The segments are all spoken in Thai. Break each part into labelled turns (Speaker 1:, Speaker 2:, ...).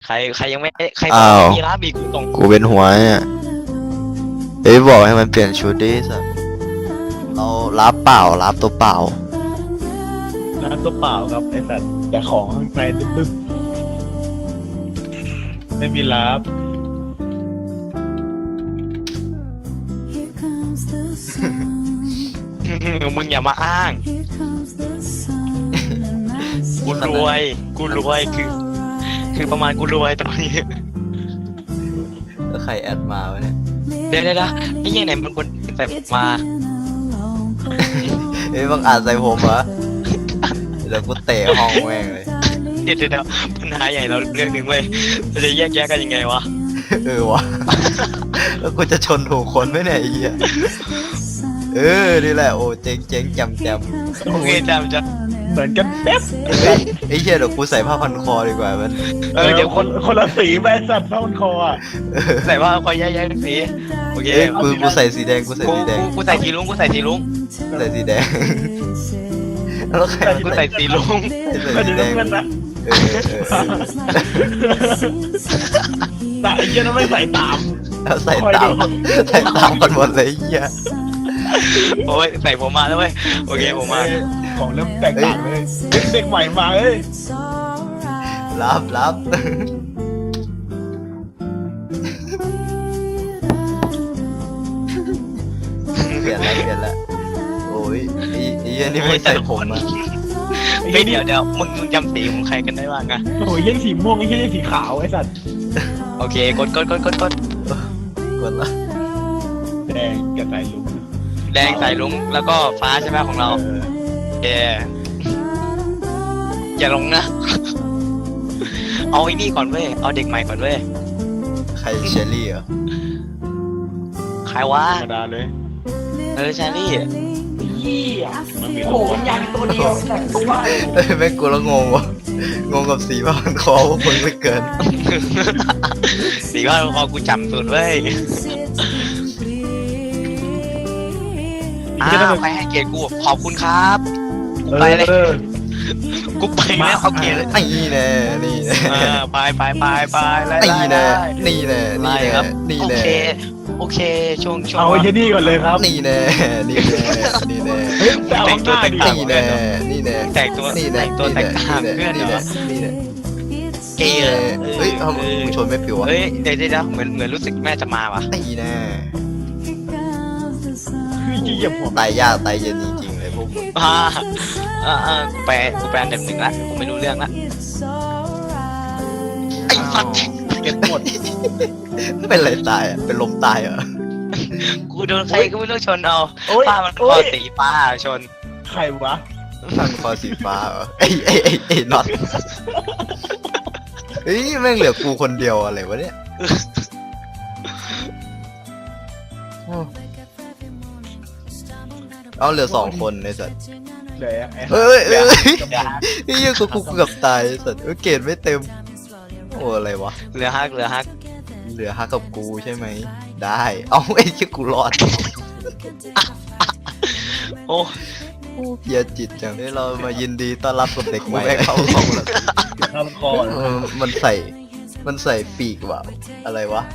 Speaker 1: ใครยังไม่ใครบอ
Speaker 2: อ้าก ว
Speaker 1: ไม่มีร้านบีกูตรง
Speaker 2: กูเป็นหัวเนี่ยเอ้ยบอกให้มันเปลี่ยนชุดดิสัสเรารับเปล่ารับตัวเปล่า
Speaker 3: น้ำตัวเปล่าครับไอ้สัตว์แต่ของข้างในตึ๊บๆไม่มีลับ
Speaker 4: Here comes the sun.
Speaker 1: มึงอย่ามาอ้าง
Speaker 4: Here comes the sun. And my
Speaker 1: กูรวยคือประมาณกูรวยตอนนี้
Speaker 2: แล้วใครแอดมาวะเนี่ย
Speaker 1: เดี๋ยวไอ้ยังไหนมันคนใส่ผมมา
Speaker 2: เอ้ยบังอาจใส่ผมเหรอเดี๋ยวกูเตะห้องแม่งเลย
Speaker 1: เดี๋ยวปัญหาใหญ่เราเรื่องหนึ่งเว้ยเราจะแยกแยะกันยังไงวะ
Speaker 2: วะแล้วกูจะชนถูกคนไหมเนี่ยไอ้เหี้ยนี่แหละโอ้เจ๊งจำ
Speaker 1: โอเคจำจะ
Speaker 3: เหมือนกันเป๊ะ
Speaker 2: ไอ้เหี้ยเดี๋ยวกูใส่ผ้าพันคอดีกว่ามัน
Speaker 1: เดี๋ยว
Speaker 3: คนละสีไปสัตว์เท่ามันคออ่ะ
Speaker 1: ใส่ว่าคอยแยกสีโอเค
Speaker 2: เอ้ยกูใส่สีแดงกูใส่สีแดง
Speaker 1: กูใส่สีลุง
Speaker 2: ใส่สีแดงแล้วใคร
Speaker 1: กูใส่สีลุง
Speaker 3: ไม่
Speaker 2: ใส่สี
Speaker 3: ได้
Speaker 2: แดง
Speaker 3: เงินนะ
Speaker 2: เออ
Speaker 3: แต่ไอ้เหี้ยนั่นไม่ใส่ตาม
Speaker 2: แล้วใส่ตามกันหมดเลยไอ้เหี้ย
Speaker 1: โอ้ยใส่ผมมาแล้วเว้ยโอเคผมมา
Speaker 3: ของเริ่มแตกต่างเลยเด็กใหม่มาเอ้ย
Speaker 2: รับเปลี่ยนแล้วโอ้ยไอ้เหี้ยนี่ไม่ใส่ผมอ่ะ
Speaker 1: ไม่เดี๋ยวมึงจำสีของใครกันได้บ้างอะ
Speaker 3: โอ้ยเหี้ยสีม่วงไอ้เหี้ยสีขาวไอ้สัตว์
Speaker 1: โอเคกด
Speaker 2: กดละ
Speaker 3: แดงกับใส่ลุง
Speaker 1: แดงใส่ลุงแล้วก็ฟ้าใช่ไหมของเราอย่าลงนะเอาไอ้นี่ก่อนเว้ยเอาเด็กใหม่ก่อนเว้ย
Speaker 2: ใครเชอรี่เหรอ
Speaker 1: ใครวะ
Speaker 3: ธรรมดาเลย
Speaker 1: แชรี่
Speaker 3: มันมีตัวใหญ่ตัวเดียว
Speaker 2: แม่งกูแล้วงงวะงงกับสีผ้าพันคอว่ามึงไม่เกิน
Speaker 1: สีว่าพอกูจำสุดเว้ยใครให้เกียรติกูขอบคุณครับกูไปเลยกูไปแล้วโอเคเลย
Speaker 2: นี่แน่
Speaker 1: ไปไล่ โอเคช่วง
Speaker 3: เอาไอ้เหี้ยนี่ก่อนเลยครับ
Speaker 2: นี่แน่
Speaker 3: เฮ้ยแต่เอาข้างหน้าดิ
Speaker 2: นี่แน่
Speaker 1: แต่งตัวแต่งตามเพื่อนเหรอเกย์
Speaker 2: เฮ้ยมึงชนไม่ผิวอ่ะ
Speaker 1: เฮ้ยเดี๋ยวเหมือนรู้สึกแม่จะมาวะ
Speaker 2: นี่แน่
Speaker 3: คือเหยียบหัว
Speaker 2: ตายยากตายเย็นจริงๆเลยพวกมึง
Speaker 1: กูแปลอันดับหนึ่งละกูไม่รู้เรื่องละไอ้สัตว์
Speaker 3: เก็บหมด
Speaker 2: เป็นอะไรตายอ่ะเป็นลมตายเหรอ
Speaker 1: กูโดนใครก็ไม่รู้ชนเอา
Speaker 3: โอ้ย
Speaker 1: ป้ามันคอสีป้าชน
Speaker 3: ใครวะ
Speaker 2: พันคอสีฟ้าเหรอไอ้น็อตเฮ้ยแม่งเหลือกูคนเดียวอะไรวะเนี่ยเอาเหลือ2 คนในสัตว์
Speaker 3: เดี๋ยวไอ้
Speaker 2: เอ้ยไอ้เหี้ยกูเกือบตายสัตว์เกรดไม่เต็มโอ้อะไรวะ
Speaker 1: เหลือฮัก
Speaker 2: เหลือฮักกับกูใช่ไหมได้เอาไอ้เชี่ยกูรอด
Speaker 1: โอ้
Speaker 2: เพียจิตจังที่เรามายินดีต้อนรับกับเด็กใหม่เข้าแล้ว
Speaker 3: ทำคอ
Speaker 2: มันใส่ปีกว่ะอะไรวะ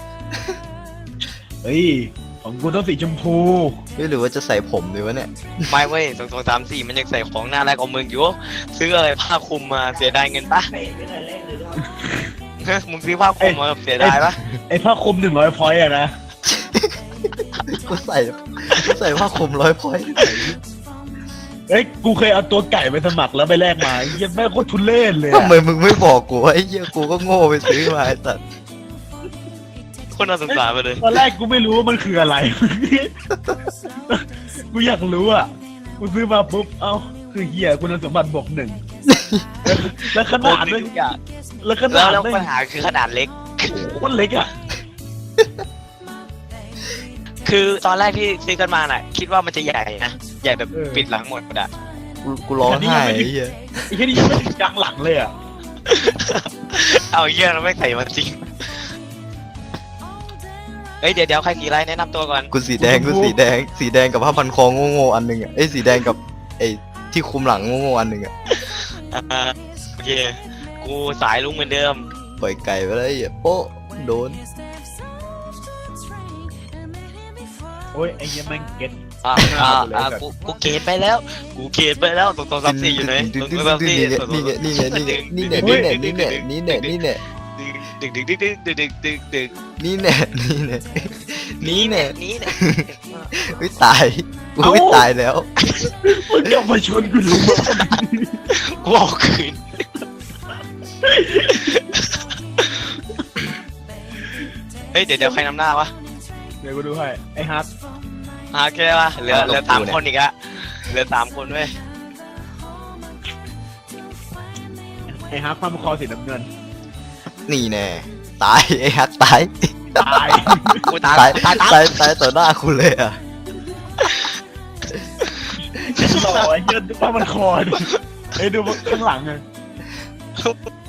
Speaker 3: เฮ้ยของกูต้องสีชมพู
Speaker 2: หรือว่าจะใส่ผมดีวะเนี่ย
Speaker 1: ไม่เว้ย2 3 4มันยังใส่ของหน้าแรกของมึงอยู่ซื้ออะไรผ้าคลุมมาเสียดายเงินปะมึงซื้อผ้าคลุมมาเสียดายปะ
Speaker 3: ไอ้ผ้าคลุม100 พอยต์อะนะ
Speaker 2: กูใส่ผ้าคลุม100 พอยต์
Speaker 3: เอ้ยกูเคยเอาตัวไก่ไปสมัครแล้วไปแลกมายังแม่งโคตรทุเล่นเลย
Speaker 2: ทำไมมึงไม่บอกกูว่าไอ้เหี้ยกูก็โง่ไปซื้อมาไอ้สัตว์
Speaker 1: คนน่าสงสารไปเลย
Speaker 3: ตอนแรกกูไม่รู้ว่ามันคืออะไร กูอยากรู้อ่ะกูซื้อมาปุ๊บเอ้าคือเหี้ยคุณสมบัติบวก 1แล้วขนาด
Speaker 1: ทุกอย่าง
Speaker 3: แล้วขนาด
Speaker 1: แล้วปัญหาคือขนาดเล็ก
Speaker 3: โคตรเล็กอ่ะ
Speaker 1: คือตอนแรกที่ซื้อกันมาน่ะคิดว่ามันจะใหญ่นะใหญ่แบบปิดหลังหมดอ่ะ
Speaker 2: กูร้องไห้ไอ้เหี้ย
Speaker 3: ไอ้แค่นี้ยังไม่ถึงกลางหลังเลยอ่ะ
Speaker 1: เอาเยี่ยเราไม่ใส่มันจริงเฮ้ยเดี๋ยวใครสีอะไรแนะนำตัวก่อน
Speaker 2: กูสีแดงกับผ้าพันคอโง่ๆอันหนึงอ่ะไอ้สีแดงกับไอ้ที่คุมหลังโง่ๆอันหนึงอ่ะ
Speaker 1: โอเคกูสายลุงเหมือนเดิม
Speaker 2: ปล่อยไก่ไปเลยอ่ะโป๊ะโดน
Speaker 3: โอ้ยไอ้เหี้ยแม่งเก็ต
Speaker 1: กูเกตไปแล้วกูเกตไปแล้วตรงซับซี่อยู่ไหนตรงซับซี่
Speaker 2: นี่แน่
Speaker 1: ดึกดึกดึกดึกดึกดึกดึกดึก
Speaker 2: นี่แน่
Speaker 1: นี่แน่นี่แน่
Speaker 2: ไม่ตายกูไม่ตายแล้ว
Speaker 3: มึงกลับมาชนกูรู้มั้ย
Speaker 1: กูเอาคืนเฮ้ยเดี๋ยวใครนำหน้าวะ
Speaker 3: เดี๋ยวกูดูให้ไอ้ฮัท
Speaker 1: หาแค่วะเหลือ3 คนอีกอะเหลือ3 คนเว้ย
Speaker 3: ไอ้ฮัทความคอสีน้ำเงิน
Speaker 2: นี่แน่ตายไอ้ฮักตาย
Speaker 3: ตาย
Speaker 1: กูตาย
Speaker 2: ตายต่อหน้าคุณเลยอ่ะ
Speaker 3: หล่อไอ้เหี้ยดูว่ามันคอดิไอ้ดูข้างหลังไง